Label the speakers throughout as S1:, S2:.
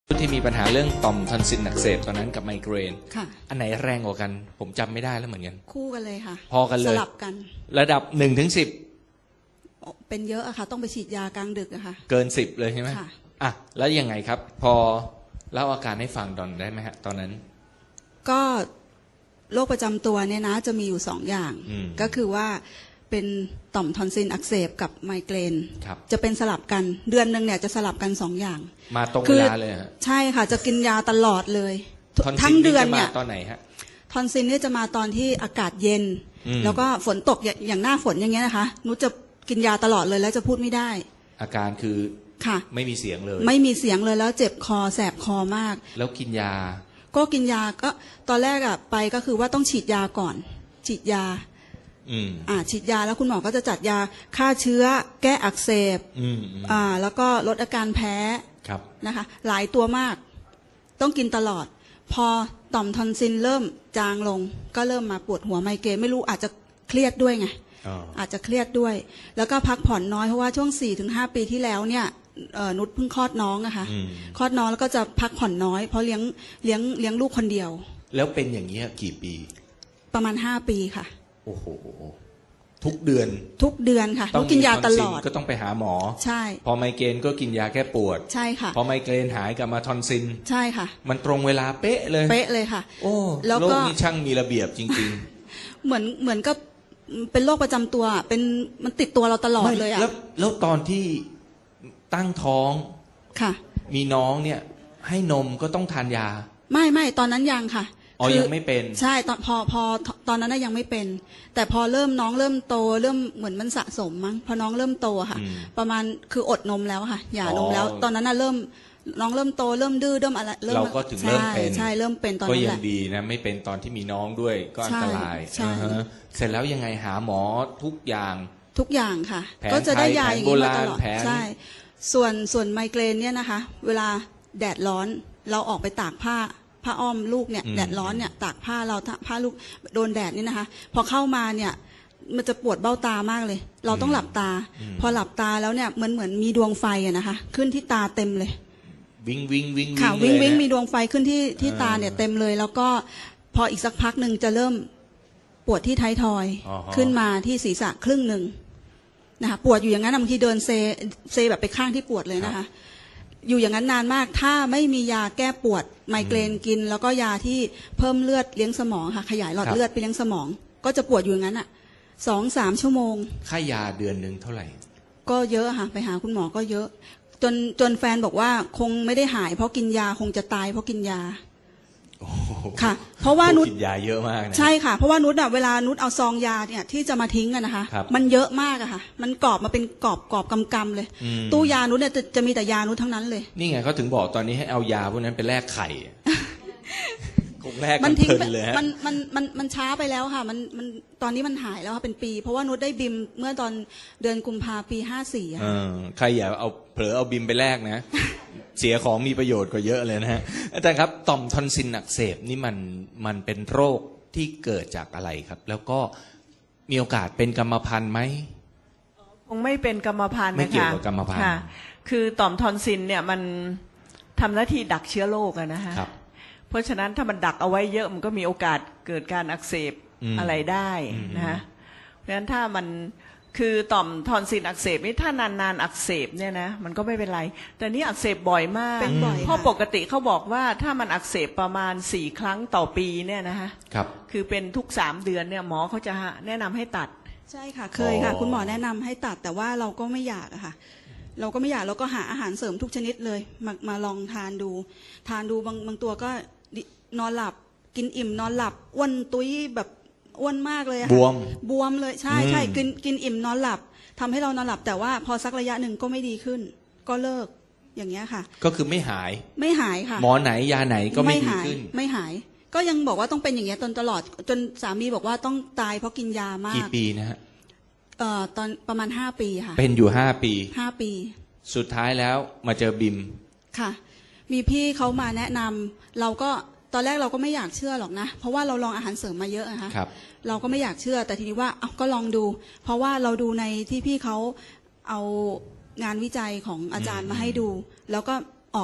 S1: ที่มีปัญหาเรื่องต่อมทอนซิลอักเสบตอนนั้นกับไมเกรน
S2: ค่ะ
S1: อันไหนแรงกว่ากันผมจำไม่ได้แล้วเหมือนกัน
S2: คู่กันเลยค่ะ
S1: พอกันเลย
S2: สลับกัน
S1: ระดับ1 ถึง 10
S2: เป็นเยอะอะค่ะต้องไปฉีดยากลางดึกอะค่ะ
S1: เกิน10เลยใช่ไหม
S2: ค่ะ
S1: อ่ะแล้วยังไงครับพอเล่าอาการให้ฟังตอนได้ไหมฮะตอนนั้น
S2: ก็โรคประจำตัวเนี่ยนะจะมีอยู่2อย่างก็คือว่าเป็นต่อมทอนซิลอักเสบกับไมเกรนจะเป็นสลับกันเดือนนึงเนี่ยจะสลับกัน2อย่าง
S1: มาตรงเวลาเลยฮะ
S2: ใช่ค่ะจะกินยาตลอดเลย
S1: ทั้งเดือนเนี่ยตอนไหนฮะ
S2: ทอนซิลเนี่ยจะมาตอนที่อากาศเย็นแล้วก็ฝนตกอย่างหน้าฝนอย่างเงี้ยนะคะนุชจะกินยาตลอดเลยแล้วจะพูดไม่ได้
S1: อาการคือ
S2: ค่ะ
S1: ไม่มีเสียงเลย
S2: ไม่มีเสียงเลยแล้วเจ็บคอแสบคอมาก
S1: แล้วกินยา
S2: ก็กินยาก็ตอนแรกอะไปก็คือว่าต้องฉีดยาก่อนฉีดยาฉีดยาแล้วคุณหมอก็จะจัดยาฆ่าเชื้อแก้อักเสบแล้วก็ลดอาการแพ้นะคะหลายตัวมากต้องกินตลอดพอต่อมทอนซิลเริ่มจางลงก็เริ่มมาปวดหัวไมเกรนไม่รู้อาจจะเครียดด้วยไงอาจจะเครียดด้วยแล้วก็พักผ่อนน้อยเพราะว่าช่วง 4-5 ปีที่แล้วเนี่ยนุชเพิ่งคลอดน้องอะค่ะคลอดน้องแล้วก็จะพักผ่อนน้อยเพราะเลี้ยงลูกคนเดียว
S1: แล้วเป็นอย่างนี้กี่ปี
S2: ประมาณ5 ปีค่ะ
S1: โอ้โหทุกเดือน
S2: ค่ะต้องกินยาตลอด
S1: ก็ต้องไปหาหมอ
S2: ใช่
S1: พอไมเกรนก็กินยาแก้ปวด
S2: ใช่ค่ะ
S1: พอไมเกรนหายกลับมาทอนซิล
S2: ใช่ค่ะ
S1: มันตรงเวลาเป๊ะเลย
S2: ค่ะ
S1: โอ้โลกนี้ช่างมีระเบียบจริง
S2: ๆเหมือนก็เป็นโรคประจำตัวเป็นมันติดตัวเราตลอดเลยอะ
S1: แล้วตอนที่ตั้งท้อง
S2: ค่ะ
S1: มีน้องเนี่ยให้นมก็ต้องทานยา
S2: ไม่ตอนนั้นยังค่ะ
S1: ยังไม่เป็น
S2: ใช่ตอนพอตอนนั้นยังไม่เป็นแต่พอน้องเริ่มโตเริ่มเหมือนมันสะสมมั้งพอน้องเริ่มโตค่ะประมาณคืออดนมแล้วค่ะหย่านมแล้วตอนนั้นน้องเริ่มโตเริ่มดื้อเริ่มอะไร
S1: เราก็ถึงเริ่มเป็น
S2: ใช่เริ่มเป็นตอนนั้นแหละ
S1: ก็ยังดีนะไม่เป็นตอนที่มีน้องด้วยก็อันตรายเสร็จแล้วยังไงหาหมอทุกอย่าง
S2: ค่ะก็จะได้ยาอย่างนี้มาตลอดใช่ส่วนไมเกรนเนี่ยนะคะเวลาแดดร้อนเราออกไปตากผ้าอ้อมลูกเนี่ยแดดร้อนเนี่ยตากผ้าเราผ้าลูกโดนแดดนี่นะคะพอเข้ามาเนี่ยมันจะปวดเบ้าตามากเลยเราต้องหลับตาพอหลับตาแล้วเนี่ยเหมือนมีดวงไฟอะนะคะขึ้นที่ตาเต็มเลย
S1: วิ่ง
S2: ค่ะวิ่งมีดวงไฟขึ้นที่ตาเนี่ยเต็มเลยแล้วก็พออีกสักพักหนึ่งจะเริ่มปวดที่ท้ายทอยขึ้นมาที่ศีรษะครึ่งหนึ่งนะคะปวดอยู่อย่างนั้นบางทีเดินเซแบบไปข้างที่ปวดเลยนะคะอยู่อย่างนั้นนานมากถ้าไม่มียาแก้ปวดไมเกรนกินแล้วก็ยาที่เพิ่มเลือดเลี้ยงสมองค่ะขยายหลอดเลือดไปเลี้ยงสมองก็จะปวดอยู่อย่างนั้นอ่ะ2-3 ชั่วโมง
S1: ค่ายาเดือนนึงเท่าไหร่
S2: ก็เยอะค่ะไปหาคุณหมอก็เยอะจนแฟนบอกว่าคงไม่ได้หายเพราะกินยาคงจะตายเพราะกินยาค่ะเพราะว่านุช
S1: กินยาเยอะมากนะ
S2: ใช่ค่ะเพราะว่านุชเวลานุชเอาซองยาเนี่ยที่จะมาทิ้งกันนะคะมันเยอะมากอะค่ะมันกรอบมาเป็นกรอบกำเลยตู้ยานุชเนี่ยจะมีแต่ยานุชทั้งนั้นเลย
S1: นี่ไงเขาถึงบอกตอนนี้ให้เอายาพวกนั้นไปแลกไข่คงแลกกันเพลินเลยฮะ
S2: มันช้าไปแล้วค่ะมันตอนนี้มันหายแล้วค่ะเป็นปีเพราะว่านุชได้บิมเมื่อตอนเดือนกุมภาพันธ์ปี54ค่ะ
S1: ใครอย่าเอาเผลอเอาบิมไปแลกนะเสียของมีประโยชน์กว่าเยอะเลยนะฮะอาจารย์ครับต่อมทอนซิลอักเสบนี่มันเป็นโรคที่เกิดจากอะไรครับแล้วก็มีโอกาสเป็นกรรมพันธุ์ไหม
S3: คงไม่เป็นกรรมพันธุ์นะคะ
S1: ไม่เกี่ยวกับกรรมพันธุ์
S3: คือต่อมทอนซิลเนี่ยมันทำหน้าที่ดักเชื้อโรคอะนะคะเพราะฉะนั้นถ้ามันดักเอาไว้เยอะมันก็มีโอกาสเกิดการอักเสบอะไรได้นะคะเพราะฉะนั้นถ้ามันคือต่อมทอนซิลอักเสบนี่ถ้านานอักเสบเนี่ยนะมันก็ไม่เป็นไรแต่นี่อักเสบบ่อยมากเพราะปกติเขาบอกว่าถ้ามันอักเสบประมาณ4 ครั้งต่อปีเนี่ยนะคะคือเป็นทุก3 เดือนเนี่ยหมอเขาจะแนะนำให้ตัด
S2: ใช่ค่ะเคยค่ะคุณหมอแนะนำให้ตัดแต่ว่าเราก็ไม่อยากอะค่ะเราก็ไม่อยากเราก็หาอาหารเสริมทุกชนิดเลยมาลองทานดูบางตัวก็นอนหลับกินอิ่มนอนหลับอ้วนตุ้ยแบบอ้วนมากเลยค่ะบวมเลยใช่กินอิ่มนอนหลับทำให้เรานอนหลับแต่ว่าพอสักระยะหนึ่งก็ไม่ดีขึ้นก็เลิกอย่างเงี้ยค่ะ
S1: ก็คือไม่หาย
S2: ค่ะ
S1: หมอไหนยาไหนก็ไม่ดีขึ้น
S2: ไม่หายก็ยังบอกว่าต้องเป็นอย่างเงี้ยตลอดจนสามีบอกว่าต้องตายเพราะกินยามาก
S1: กี่ปีนะฮะ
S2: ตอนประมาณ5 ปีค่ะ
S1: เป็นอยู่5 ปีสุดท้ายแล้วมาเจอบิม
S2: ค่ะมีพี่เขามาแนะนำเราก็ตอนแรกเราก็ไม่อยากเชื่อหรอกนะเพราะว่าเราลองอาหารเสริมมาเยอะนะคะเราก็ไม่อยากเชื่อแต่ทีนี้ว่าก็ลองดูเพราะว่าเราดูในที่พี่เขาเอางานวิจัยของอาจารย์มาให้ดูแล้วก็ออก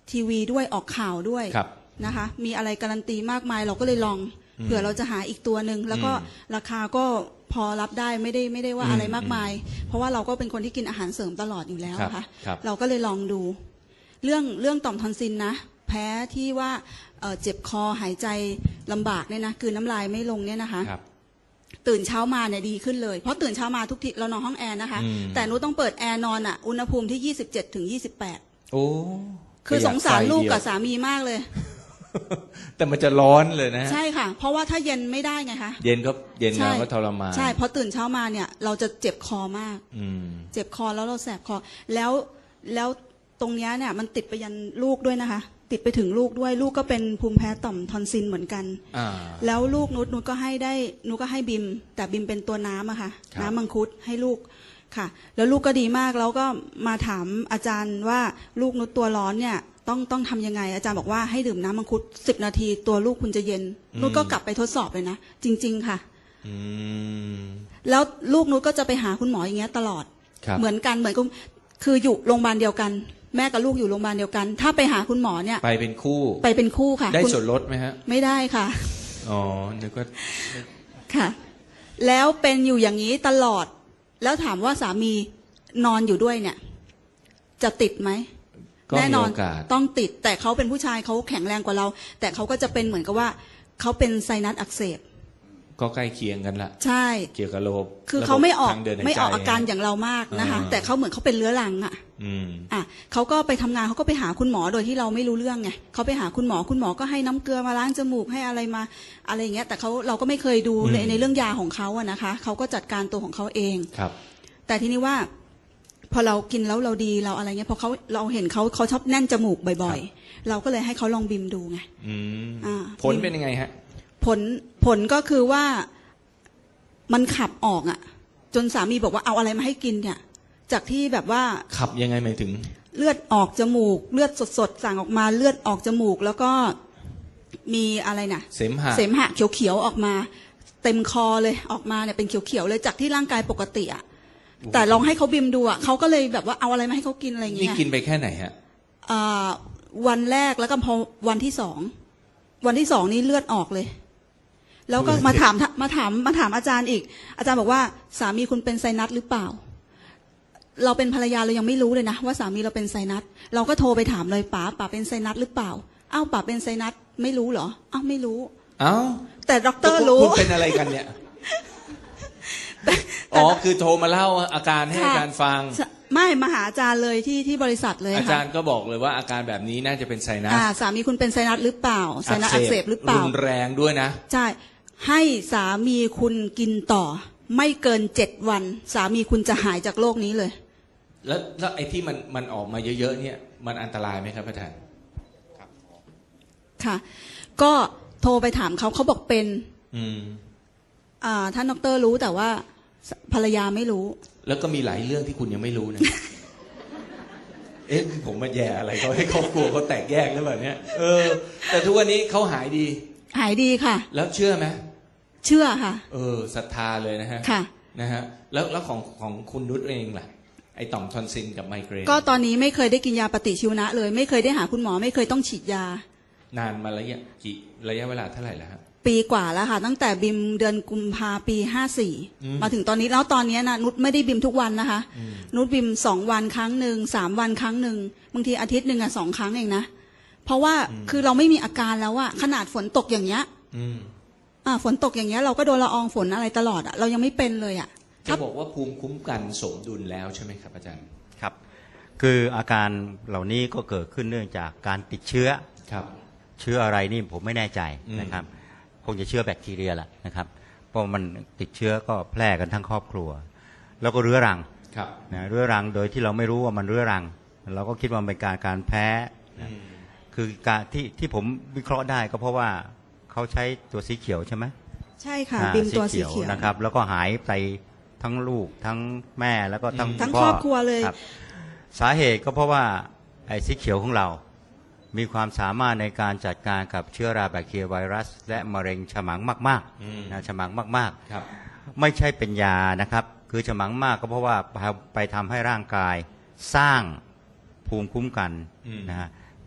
S2: ทีวีด้วยออกข่าวด้วย
S1: ครับ
S2: นะคะมีอะไรการันตีมากมายเราก็เลยลองเผื่อเราจะหาอีกตัวหนึ่งแล้วก็ราคาก็พอรับได้ไม่ได้ว่าอะไรมากมาย เพราะว่าเราก็เป็นคนที่กินอาหารเสริมตลอดอยู่แล้วค่ะเราก็เลยลองดูเรื่องต่อมทอนซิลนะแพ้ที่ว่าเจ็บคอหายใจลำบากเนี่ยนะกลืนน้ำลายไม่ลงเนี่ยนะคะตื่นเช้ามาเนี่ยดีขึ้นเลยเพราะตื่นเช้ามาทุกทีเรานอนห้องแอร์นะคะแต่หนูต้องเปิดแอร์นอนอ่ะอุณหภูมิที่27 ถึง 28โอ้คือสงสารลูกกับสามีมากเลย
S1: แต่มันจะร้อนเลยนะ
S2: ใช่ค่ะเพราะว่าถ้าเย็นไม่ได้ไงคะ
S1: เย็นเราก็ทรมาน
S2: ใช่พอตื่นเช้ามาเนี่ยเราจะเจ็บคอมากเจ็บคอแล้วเราแสบคอแล้วตรงเนี้ยเนี่ยมันติดไปยันลูกด้วยนะคะติดไปถึงลูกด้วยลูกก็เป็นภูมิแพ้ต่อมทอนซิลเหมือนกันแล้วลูกนุชก็ให้บิมแต่บิมเป็นตัวน้ำอะค่ะน้ำมังคุดให้ลูกค่ะแล้วลูกก็ดีมากแล้วก็มาถามอาจารย์ว่าลูกนุชตัวร้อนเนี่ยต้องทำยังไงอาจารย์บอกว่าให้ดื่มน้ำมังคุด10 นาทีตัวลูกคุณจะเย็นนุชก็กลับไปทดสอบเลยนะจริงๆค่ะแล้วลูกนุชก็จะไปหาคุณหมออย่างเงี้ยตลอดเหมือนกันเหมือนกับคืออยู่โรงพยาบาลเดียวกันแม่กับลูกอยู่โรงพยาบาลเดียวกันถ้าไปหาคุณหมอเนี่ย
S1: ไปเป็นคู่
S2: ค่ะ
S1: ได้ส่วนลดไหมฮะ
S2: ไม่ได้ค่ะ
S1: อ๋อเดี๋ยวก็
S2: ค่ะแล้วเป็นอยู่อย่างนี้ตลอดแล้วถามว่าสามีนอนอยู่ด้วยเนี่ยจะติดไหมแน่นอนต้องติดแต่เขาเป็นผู้ชายเขาแข็งแรงกว่าเราแต่เขาก็จะเป็นเหมือนกับว่าเขาเป็นไซนัสอักเสบ
S1: ก็ใกล้เคียงกันละ
S2: ใช่
S1: เกี่ยวกับระบบ
S2: คือเขาไม่ออกอาการอย่างเรามากนะคะแต่เขาเหมือนเขาเป็นเรื้อรังเขาก็ไปทำงานเขาก็ไปหาคุณหมอโดยที่เราไม่รู้เรื่องไงเขาไปหาคุณหมอก็ให้น้ำเกลือมาล้างจมูกให้อะไรมาอะไรอย่างเงี้ยแต่เราก็ไม่เคยดูในเรื่องยาของเขาอะนะคะเขาก็จัดการตัวของเขาเอง
S1: ครับ
S2: แต่ทีนี้ว่าพอเรากินแล้วเราดีเราอะไรเงี้ยพอเราเห็นเขาชอบแน่นจมูกบ่อยๆเราก็เลยให้เขาลองบิมดูไง
S1: ผลเป็นยังไงฮะ
S2: ผลก็คือว่ามันขับออกอ่ะจนสามีบอกว่าเอาอะไรมาให้กินเนี่ยจากที่แบบว่า
S1: ขับยังไงหมายถึง
S2: เลือดออกจมูกเลือดสดๆสั่งออกมาเลือดออกจมูกแล้วก็มีอะไรนะ
S1: เสมหะ
S2: เขียวๆออกมาเต็มคอเลยออกมาเนี่ยเป็นเขียวๆเลยจากที่ร่างกายปกติอ่ะแต่ลองให้เขาบิมดูอ่ะเขาก็เลยแบบว่าเอาอะไรมาให้เขากินอะไรอย่างเงี้ย
S1: นี่กินไปแค่ไหนฮะ
S2: วันแรกแล้วก็พอวันที่สองนี่เลือดออกเลยแล้วก็มาถามอาจารย์อีกอาจารย์บอกว่าสามีคุณเป็นไซนัสหรือเปล่าเราเป็นภรรยาเรายังไม่รู้เลยนะว่าสามีเราเป็นไซนัสเราก็โทรไปถามเลยป๋าเป็นไซนัสหรือเปล่าอ้าวป๋าเป็นไซนัสไม่รู้เหรออ้าวไม่รู้
S1: อ้าว
S2: แต่ด็อกเตอร์รู้
S1: คุณเป็นอะไรกันเนี่ยอ๋อคือโทรมาเล่าอาการให้อาจารย์ฟัง
S2: ไม่มาหาอาจารย์เลยที่บริษัทเลย
S1: อาจารย์ก็บอกเลยว่าอาการแบบนี้น่าจะเป็นไซนัส
S2: สามีคุณเป็นไซนัสหรือเปล่าไซนัสอักเสบหรือเปล่า
S1: รุนแรงด้วยนะ
S2: ใช่ให้สามีคุณกินต่อไม่เกิน7 วันสามีคุณจะหายจากโรคนี้เลย
S1: แล้วไอ้ที่มันออกมาเยอะๆเนี่ยมันอันตรายไหมครับอาจารย์
S2: ค่ะก็โทรไปถามเขาบอกเป็นท่านดร.รู้แต่ว่าภรรยาไม่รู้
S1: แล้วก็มีหลายเรื่องที่คุณยังไม่รู้นะ ผมมาแย่อะไรเขาให้ครอบครัวเขาแตกแยกแล้วแบบนี้แต่ทุกวันนี้เขาหายดี
S2: ค่ะ
S1: แล้วเชื่อไหม
S2: เชื่อค่ะ
S1: ศรัทธาเลยนะฮะ
S2: ค่ะ
S1: นะฮะแล้วของคุณนุชเองล่ะไอต่อมทอนซิลกับไมเกรน
S2: ก็ตอนนี้ไม่เคยได้กินยาปฏิชีวนะเลยไม่เคยได้หาคุณหมอไม่เคยต้องฉีดยาน
S1: านมาระยะเวลาเท่าไหร่แล้วครับ
S2: ปีกว่าแล้วค่ะตั้งแต่บิมเดือนกุมภาปี54มาถึงตอนนี้แล้วตอนนี้นะนุชไม่ได้บิมทุกวันนะคะนุชบิม2 วันครั้งหนึ่ง3 วันครั้งหนึ่งบางทีอาทิตย์หนึ่ง2 ครั้งเองนะเพราะว่าคือเราไม่มีอาการแล้วอะขนาดฝนตกอย่างเงี้ยฝนตกอย่างเงี้ยเราก็โดนละอองฝนอะไรตลอดอะเรายังไม่เป็นเลยอะ
S1: จะบอกว่าภูมิคุ้มกันสมดุลแล้วใช่ไหมครับอาจารย์
S4: ครับคืออาการเหล่านี้ก็เกิดขึ้นเนื่องจากการติดเชื้อ
S1: ครับ
S4: เชื้ออะไรนี่ผมไม่แน่ใจนะครับคงจะเชื้อแบคทีเรียแหละนะครับเพราะมันติดเชื้อก็แพร่กันทั้งครอบครัวแล้วก็เรื้อรังนะเรื้อรังโดยที่เราไม่รู้ว่ามันเรื้อรังเราก็คิดว่าเป็นการแพ้คือการที่ผมวิเคราะห์ได้ก็เพราะว่าเขาใช้ตัวสีเขียวใช่ไหม
S2: ใช่ค่ะบิมตัวสีเขียว
S4: นะครับแล้วก็หายไปทั้งลูกทั้งแม่แล้วก็
S2: ทั้งครอบครัวเลย
S4: สาเหตุก็เพราะว่าไอ้สีเขียวของเรามีความสามารถในการจัดการกับเชื้อราแบคทีเรียไวรัสและมะเร็งฉมังมากๆนะฉมังมากๆไม่ใช่เป็นยานะครับคือฉมังมากก็เพราะว่าไปทำให้ร่างกายสร้างภูมิคุ้มกันนะฮะ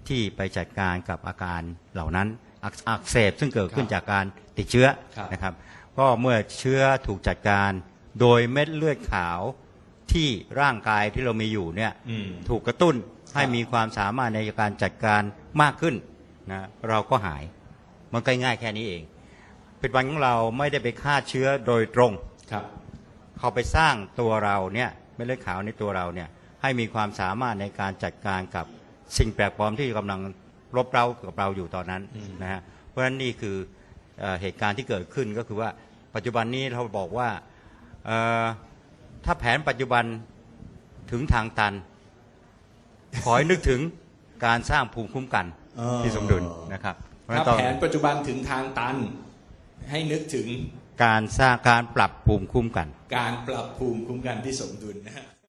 S4: ที่ไปจัดการกับอาการเหล่านั้นอักเสบซึ่งเกิดขึ้นจากการติดเชื้อนะครับก็เมื่อเชื้อถูกจัดการโดยเม็ดเลือดขาวที่ร่างกายที่เรามีอยู่เนี่ยถูกกระตุ้นให้มีความสามารถในการจัดการมากขึ้นนะเราก็หายมันก็ง่ายแค่นี้เองผลิตภัณฑ์ของเราไม่ได้ไปฆ่าเชื้อโดยตรงเขาไปสร้างตัวเราเนี่ยเม็ดเลือดขาวในตัวเราเนี่ยให้มีความสามารถในการจัดการกับสิ่งแปลกปลอมที่กำลังรบเร้ากับเราอยู่ตอนนั้นนะฮะเพราะฉะนั้นนี่คือเหตุการณ์ที่เกิดขึ้นก็คือว่าปัจจุบันนี้เราบอกว่าถ้าแผนปัจจุบันถึงทางตันขอให้นึกถึงการสร้างภูมิคุ้มกันที่สมดุลนะครับ
S1: ถ้าแผนปัจจุบันถึงทางตันให้นึกถึง
S4: การสร้างการปรับภูมิคุ้มกัน
S1: การปรับภูมิคุ้มกันที่สมดุลนะฮะ